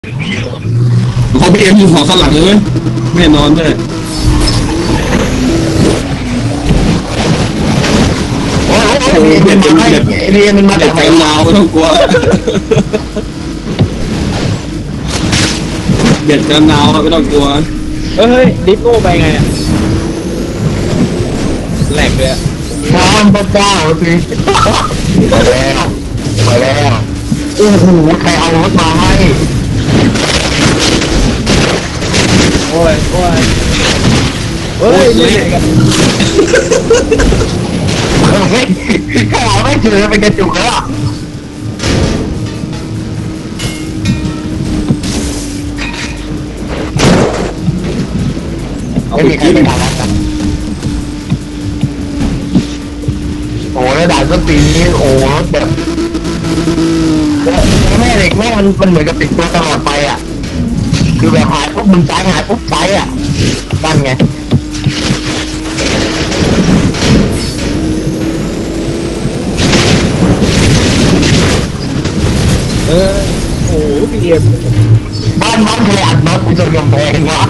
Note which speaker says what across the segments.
Speaker 1: เขาพีเอ็มอยู่หอข้างหลังเลยไม่นอนด้วย
Speaker 2: โอ้ยเรียนมันมาเรียนมันมาจากไหน
Speaker 1: ลาวไม่ต้องกลัวเบียดกันนาวไม่ต้องกลัว
Speaker 3: เฮ้ยดิฟโก้ไปไงเนี่ยแหลกเลย
Speaker 2: น้ำพระเจ้าสิไปแล้วไปแล้วโอ้โหใครเอารถมาให้
Speaker 3: โอ้ยเฮ้ยนี่กัน
Speaker 2: เฮ้ยใครเอาไม่เจอเป็นกระจุกแล้วไม่มีใครไปด่าแล้วกันโอ้แล้วด่าก็ตีนี้โอ้แบบแม่เด็กแม่มันเหมือนกับติดตัวตลอดไปอ่ะคือแบบหายปุ๊บมึงใจหายปุ๊บใจอ่ะนั่นไง
Speaker 3: โอ้พี่เอ็ม
Speaker 2: บ้านใครอัดน็อตไปจนกำแพงวะ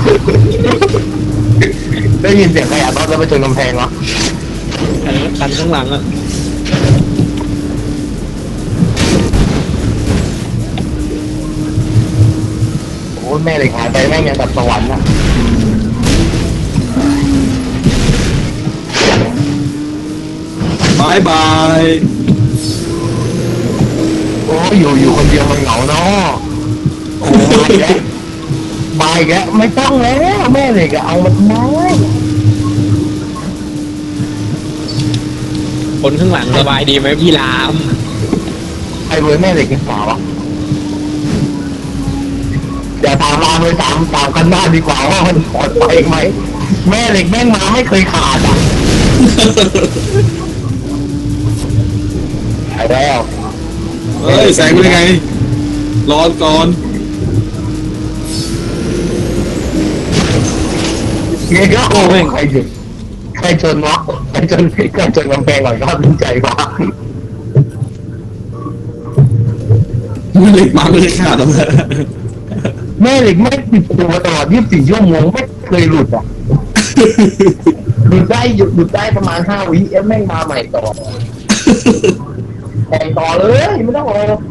Speaker 2: ได้ยินเสียงใครอัดน็อตแล้วไปจนกำแพงวะ
Speaker 3: คันข้างหลังอ่ะ
Speaker 2: โอ้แม่เด็กหายไปแม่งยังตัดสวรรค์นะ
Speaker 1: บายบาย
Speaker 2: โอ้อยู่คนเดียวมันเหงาเนาะโอ้ยแกบายแกไม่ต้องแล้วแม่เด็กเอามันน้อย
Speaker 3: คนข้างหลังสบายดีไหมพี่ราม
Speaker 2: ใครเว้ยแม่เด็กกินสาวอ่ะเดี๋ยวถามรามเลยถามกันหน้าดีกว่าว่ามันปลอดภัยไหมแม่เด็กแม่งมาไม่เคยขาดอ่ะไปแล้ว
Speaker 1: เฮ้ยแสงเป็นไงร้อนก่อน
Speaker 2: เงี้ยก็โอ้ยใครชนวะใครชนกำแพงหน่อยก็ดีใจกว่า
Speaker 1: ไม่เหล็กมาไม่ได้ขาดหรอก
Speaker 2: แม่เหล็กไม่ติดตัวตลอด24 ชั่วโมงไม่เคยหลุดอ่ะหลุดได้ประมาณ5 วิแม่งมาใหม่ต่อแต่งต่อเลยไม่ต้องรอ